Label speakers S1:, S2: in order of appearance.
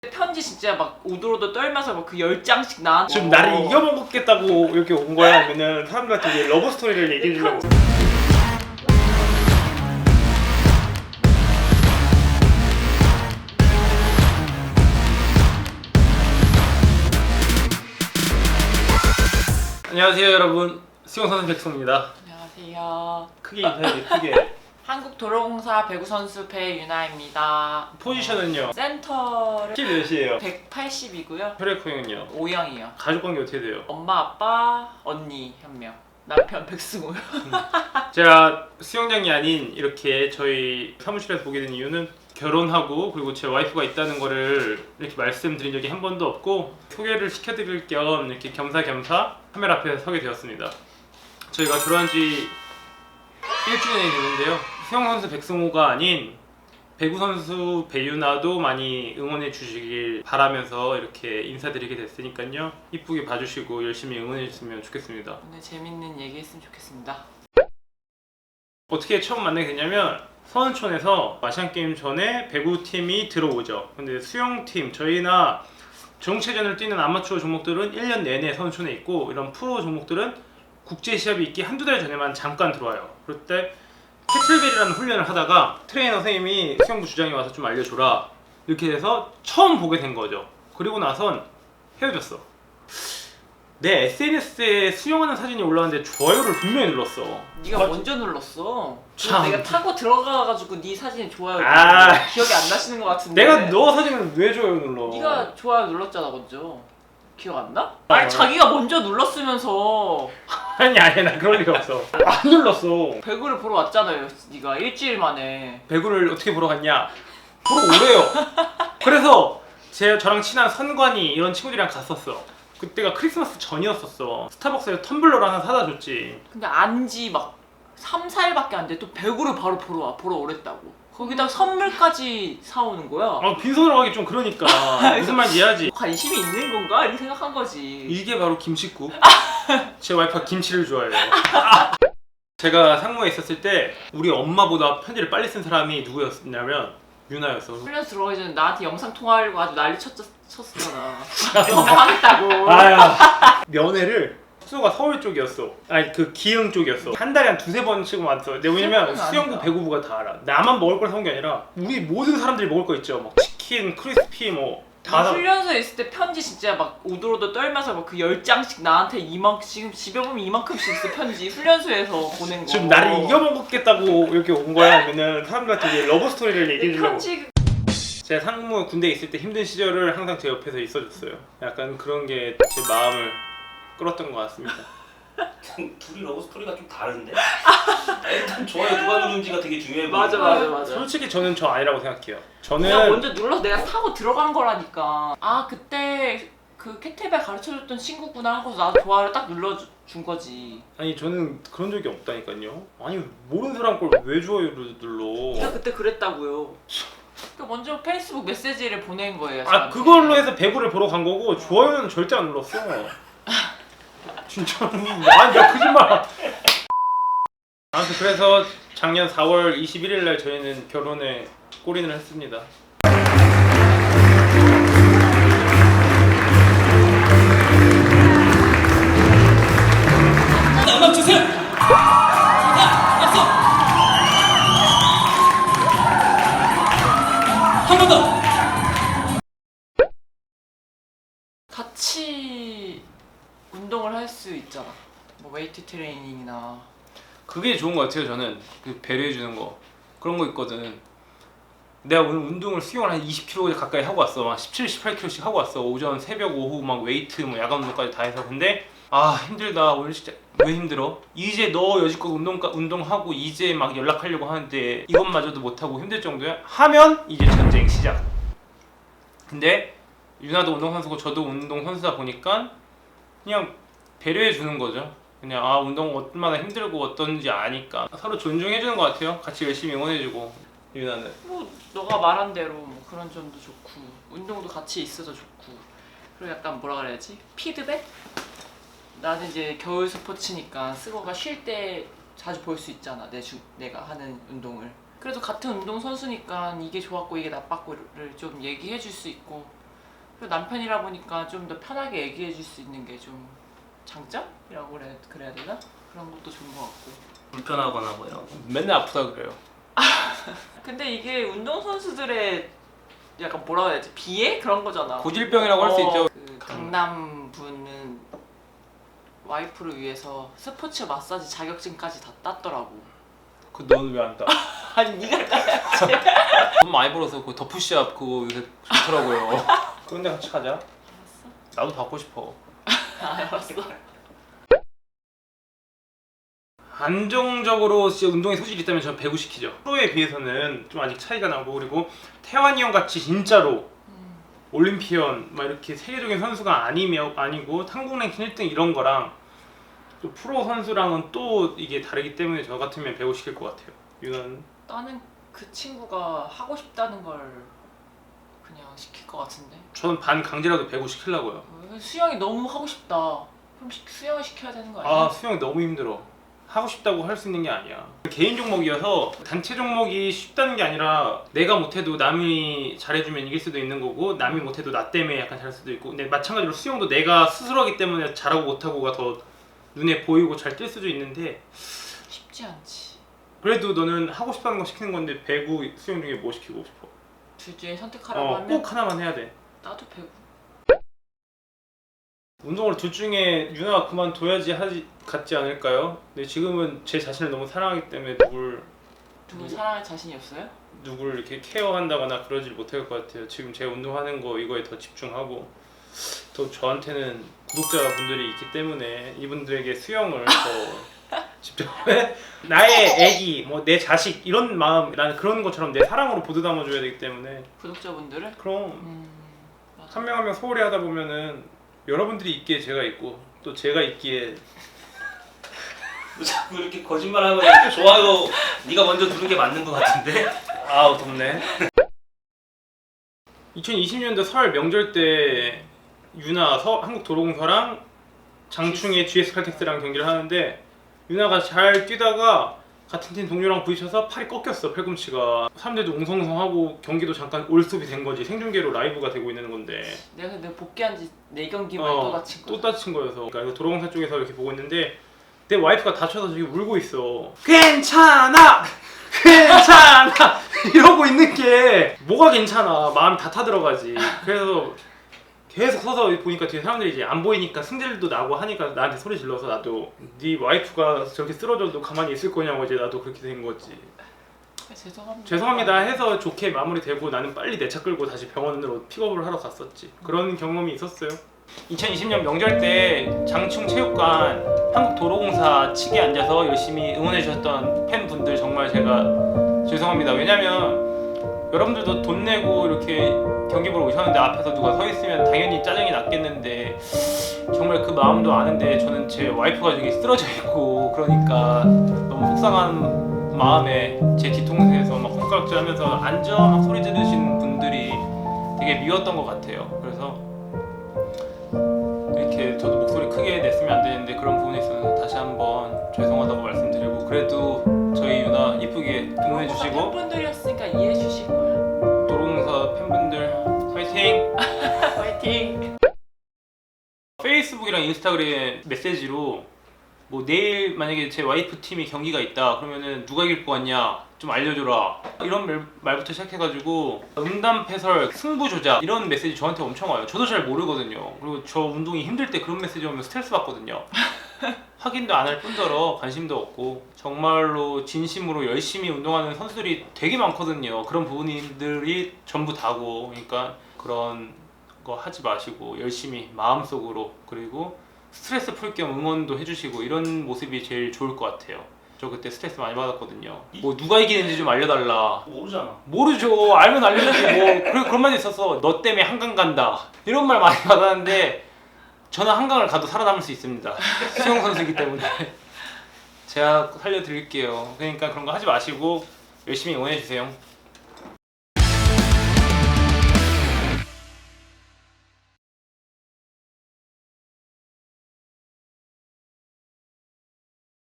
S1: 편지 진짜 막 오도로도 떨면서 막 그 10장씩 나한테
S2: 지금 나를 이겨먹겠다고 이렇게 온 거야? 아니면 사람들한테 이제 러브 스토리를 얘기해 주려고? 안녕하세요 여러분, 수영선수 백성입니다.
S1: 안녕하세요.
S2: 크게 인사해, 크게.
S1: 한국도로공사 배구선수 배유나입니다.
S2: 포지션은요?
S1: 센터를
S2: 키 몇이에요?
S1: 180이고요
S2: 혈액 형은요?
S1: O형이요.
S2: 가족관계 어떻게 돼요?
S1: 엄마, 아빠, 언니 한 명, 남편 백승호요.
S2: 제가 수영장이 아닌 이렇게 저희 사무실에서 보게 된 이유는 결혼하고 그리고 제 와이프가 있다는 거를 이렇게 말씀드린 적이 한 번도 없고 소개를 시켜드릴 겸 이렇게 겸사겸사 카메라 앞에 서게 되었습니다. 저희가 결혼한 지 1주년이 되는데요. 수영선수 백승호가 아닌 배구선수 배유나도 많이 응원해 주시길 바라면서 이렇게 인사드리게 됐으니까요. 이쁘게 봐주시고 열심히 응원해 주셨으면 좋겠습니다.
S1: 오늘 재밌는 얘기 했으면 좋겠습니다.
S2: 어떻게 처음 만나게 됐냐면 서은촌에서 아시안게임 전에 배구팀이 들어오죠. 근데 수영팀, 저희나 정체전을 뛰는 아마추어 종목들은 1년 내내 서은촌에 있고 이런 프로 종목들은 국제 시합이 있기 한두 달 전에만 잠깐 들어와요. 그럴 때 캐틀벨이라는 훈련을 하다가 트레이너 선생님이 수영부 주장이 와서 좀 알려줘라 이렇게 돼서 처음 보게 된 거죠. 그리고 나선 헤어졌어. 내 SNS에 수영하는 사진이 올라왔는데 좋아요를 분명히 눌렀어.
S1: 네가
S2: 맞지?
S1: 먼저 눌렀어.
S2: 참.
S1: 내가 타고 들어가가지고 네 사진에 좋아요
S2: 아.
S1: 기억이 안 나시는 것 같은데.
S2: 내가 너 사진을 왜 좋아요 눌러?
S1: 네가 좋아요 눌렀잖아 먼저. 기억 안 나? 아니 자기가 먼저 눌렀으면서
S2: 아니 나 그럴 리가 없어. 안 눌렀어.
S1: 배구를 보러 왔잖아요. 네가 일주일 만에.
S2: 배구를 어떻게 보러 갔냐? 보러 오래요. 그래서 저랑 친한 선관이 이런 친구들이랑 갔었어. 그때가 크리스마스 전이었었어. 스타벅스에서 텀블러를 하나 사다 줬지.
S1: 근데 안지 막 3, 4일밖에 안 돼. 또 배구를 바로 보러 오랬다고. 거기다 선물까지 사오는 거야.
S2: 빈손으로 가기 좀 그러니까 무슨 말인지 이해하지?
S1: 관심이 있는 건가? 이렇게 생각한 거지.
S2: 이게 바로 김치국. 제 와이프가 김치를 좋아해요. 제가 상무에 있었을 때 우리 엄마보다 편지를 빨리 쓴 사람이 누구였냐면 유나였어.
S1: 훈련 들어가기 전에 나한테 영상 통화하려고 아주 난리 쳤었잖아. 영상하겠다고.
S2: 아야. 면회를 숙소가 서울 쪽이었어. 아니 그 기흥 쪽이었어. 한 달에 한 두세 번씩은 왔어. 근데 왜냐면 수영부 배구부가 다 알아. 나만 먹을 걸 사온 게 아니라 우리 모든 사람들이 먹을 거 있죠. 막 치킨, 크리스피 뭐 다 사.
S1: 훈련소에 있을 때 편지 진짜 막 오도로도 떨면서 막 그 10장씩 나한테 지금 집에 보면 이만큼씩 있어 편지. 훈련소에서 보낸 거.
S2: 지금 나를 이겨먹겠다고 이렇게 온 거야? 아니면 사람들한테 이제 러브 스토리를 얘기해 주려고?
S1: 편지.
S2: 제가 상무 군대에 있을 때 힘든 시절을 항상 제 옆에서 있어줬어요. 약간 그런 게 제 마음을 끌었던 것 같습니다.
S3: 둘이 러브 스토리가 좀 다른데? 일단 좋아요 누가 누른지가 되게 중요해
S1: 맞아.
S2: 솔직히 저는 저 아니라고 생각해요. 저는
S1: 내가 먼저 눌러서 내가 타고 들어간 거라니까. 아 그때 그 캐틀벨 가르쳐줬던 친구구나 하고 나도 좋아요를 딱 눌러준 거지.
S2: 아니 저는 그런 적이 없다니까요. 아니 모르는 사람 걸 왜 좋아요를 눌러?
S1: 네가 그때 그랬다고요. 그 먼저 페이스북 메시지를 보낸 거예요.
S2: 아
S1: 저한테.
S2: 그걸로 해서 배구를 보러 간 거고 좋아요는 절대 안 눌렀어. 진짜로. 아니 나 거짓말. 아무튼 그래서 작년 4월 21일 날 저희는 결혼에 골인을 했습니다.
S3: 음악 주세요! 앞서! 한 번 더!
S1: 같이 운동을 할 수 있잖아. 뭐 웨이트 트레이닝이나.
S2: 그게 좋은 것 같아요. 저는 그 배려해 주는 거 그런 거 있거든. 내가 오늘 운동을 수영을 한 20km 가까이 하고 왔어. 막 17, 18km씩 하고 왔어. 오전, 새벽, 오후 막 웨이트 뭐 야간 운동까지 다 해서. 근데 아 힘들다. 오늘 진짜 왜 힘들어? 이제 너 여지껏 운동하고 이제 막 연락하려고 하는데 이것마저도 못하고 힘들 정도야? 하면 이제 전쟁 시작. 근데 유나도 운동선수고 저도 운동선수다 보니까 그냥 배려해 주는 거죠. 그냥 운동 얼마나 힘들고 어떤지 아니까 서로 존중해주는 것 같아요. 같이 열심히 응원해주고. 유나는?
S1: 뭐 너가 말한 대로 뭐 그런 점도 좋고 운동도 같이 있어서 좋고 그리고 약간 뭐라 그래야지? 피드백? 나는 이제 겨울 스포츠니까 스고가 쉴 때 자주 볼 수 있잖아. 내가 하는 운동을. 그래도 같은 운동 선수니까 이게 좋았고 이게 나빴고를 좀 얘기해 줄 수 있고 그리고 남편이라 보니까 좀 더 편하게 얘기해 줄 수 있는 게 좀 장점이라고 그래야 되나? 그런 것도 좋은 것 같고.
S3: 불편하거나 뭐 이런 거.
S2: 맨날 아프다 그래요.
S1: 근데 이게 운동선수들의 약간 뭐라 해야 되지? 비애? 그런 거잖아.
S2: 고질병이라고 할 수 있죠.
S1: 그 강남 분은 와이프를 위해서 스포츠 마사지 자격증까지 다 땄더라고.
S2: 그 너는 왜 안 따?
S1: 아니 네가 따야지.
S2: 돈 많이 벌어서 그 더푸시업 그거 요새 좋더라고요. 그런데 같이 가자.
S1: 알았어.
S2: 나도 받고 싶어.
S1: 알았어.
S2: 안정적으로 진짜 운동에 소질이 있다면 저는 배구 시키죠. 프로에 비해서는 좀 아직 차이가 나고, 그리고 태환이 형 같이 진짜로 올림피언 막 이렇게 세계적인 선수가 아니고 한국 랭킹 1등 이런 거랑 또 프로 선수랑은 또 이게 다르기 때문에 저 같으면 배구 시킬 것 같아요. 유나는?
S1: 나는 그 친구가 하고 싶다는 걸 그냥 시킬 것 같은데.
S2: 저는 반 강제라도 배구 시키려고요.
S1: 수영이 너무 하고 싶다. 그럼 수영을 시켜야 되는 거 아니야?
S2: 아, 수영 너무 힘들어. 하고 싶다고 할 수 있는 게 아니야. 개인 종목이어서 단체 종목이 쉽다는 게 아니라 내가 못해도 남이 잘해주면 이길 수도 있는 거고, 남이 못해도 나 때문에 약간 잘할 수도 있고, 근데 마찬가지로 수영도 내가 스스로 하기 때문에 잘하고 못하고가 더 눈에 보이고 잘 뛸 수도 있는데,
S1: 쉽지 않지.
S2: 그래도 너는 하고 싶다는 거 시키는 건데 배구, 수영 중에 뭐 시키고 싶어?
S1: 둘 중에 선택하라고 하면
S2: 꼭 하나만 해야 돼.
S1: 나도 배구.
S2: 운동을 둘 중에 유나가 그만둬야지 같지 않을까요? 근데 지금은 제 자신을 너무 사랑하기 때문에
S1: 누굴 사랑할 자신이 없어요?
S2: 누굴 이렇게 케어한다거나 그러질 못할 것 같아요. 지금 제가 운동하는 거 이거에 더 집중하고, 또 저한테는 구독자분들이 있기 때문에 이분들에게 수영을 더 집중해. 나의 애기, 뭐 내 자식 이런 마음, 나는 그런 것처럼 내 사랑으로 보듬어줘야 되기 때문에.
S1: 구독자분들을?
S2: 그럼
S1: 맞아.
S2: 한 명 한 명 소홀히 하다 보면은 여러분들이 있기에 제가 있고, 또 제가 있기에
S3: 자꾸 이렇게 거짓말하면 좋아요 네가 먼저 누른 게 맞는 것 같은데.
S2: 아우 덥네. 2020년도 설 명절 때 유나 한국도로공사랑 장충의 GS 칼텍스랑 경기를 하는데, 유나가 잘 뛰다가 같은 팀 동료랑 부딪혀서 팔이 꺾였어. 팔꿈치가. 사람들도 웅성웅성하고 경기도 잠깐 올스톱이 된 거지. 생중계로 라이브가 되고 있는 건데
S1: 내가 근데 복귀한 지 4경기 만에 또 다친
S2: 또
S1: 거야.
S2: 다친 거여서. 그러니까 도로공사 쪽에서 이렇게 보고 있는데 내 와이프가 다쳐서 저기 울고 있어. 괜찮아! 괜찮아! 이러고 있는 게 뭐가 괜찮아. 마음이 다 타들어가지. 그래서 계속 서서 보니까 뒤에 사람들이 이제 안 보이니까 승질도 나고 하니까 나한테 소리 질러서, 나도 네 와이프가 저렇게 쓰러져도 가만히 있을 거냐고 이제 나도 그렇게 된 거지. 죄송합니다 해서 좋게 마무리되고, 나는 빨리 내 차 끌고 다시 병원으로 픽업을 하러 갔었지. 그런 경험이 있었어요. 2020년 명절 때 장충 체육관 한국도로공사 측에 앉아서 열심히 응원해 주셨던 팬분들 정말 제가 죄송합니다. 왜냐면 여러분들도 돈 내고 이렇게 경기 보러 오셨는데 앞에서 누가 서 있으면 당연히 짜증이 났겠는데, 정말 그 마음도 아는데 저는 제 와이프가 저기 쓰러져 있고 그러니까 너무 속상한 마음에 제 뒤통수에서 막 손가락질 하면서 앉아 막 소리 지르시는 분들이 되게 미웠던 것 같아요. 그래서 이렇게 저도 목소리 크게 냈으면 안 되는데 그런 부분에 있어서 다시 한번 죄송하다고 말씀드리고, 그래도 저희 유나 이쁘게 응원해 주시고,
S1: 팬분들이었으니까 이해해 주실 거야.
S2: 도로공사 팬분들 화이팅!
S1: 화이팅!
S2: 페이스북이랑 인스타그램 메시지로 뭐 내일 만약에 제 와이프 팀이 경기가 있다 그러면은 누가 이길 것 같냐 좀 알려줘라, 이런 말부터 시작해가지고 응답해설, 승부 조작 이런 메시지 저한테 엄청 와요. 저도 잘 모르거든요. 그리고 저 운동이 힘들 때 그런 메시지 오면 스트레스 받거든요. 확인도 안 할 뿐더러 관심도 없고, 정말로 진심으로 열심히 운동하는 선수들이 되게 많거든요. 그런 부분들이 전부 다고, 그러니까 그런 거 하지 마시고 열심히 마음속으로, 그리고 스트레스 풀 겸 응원도 해주시고, 이런 모습이 제일 좋을 것 같아요. 저 그때 스트레스 많이 받았거든요. 뭐 누가 이기는지 좀 알려달라.
S3: 모르잖아.
S2: 모르죠. 알면 알려주지 뭐. 그런 말이 있어서 너 때문에 한강 간다 이런 말 많이 받았는데, 저는 한강을 가도 살아남을 수 있습니다. 수영 선수이기 때문에. 제가 살려드릴게요. 그러니까 그런 거 하지 마시고 열심히 응원해주세요.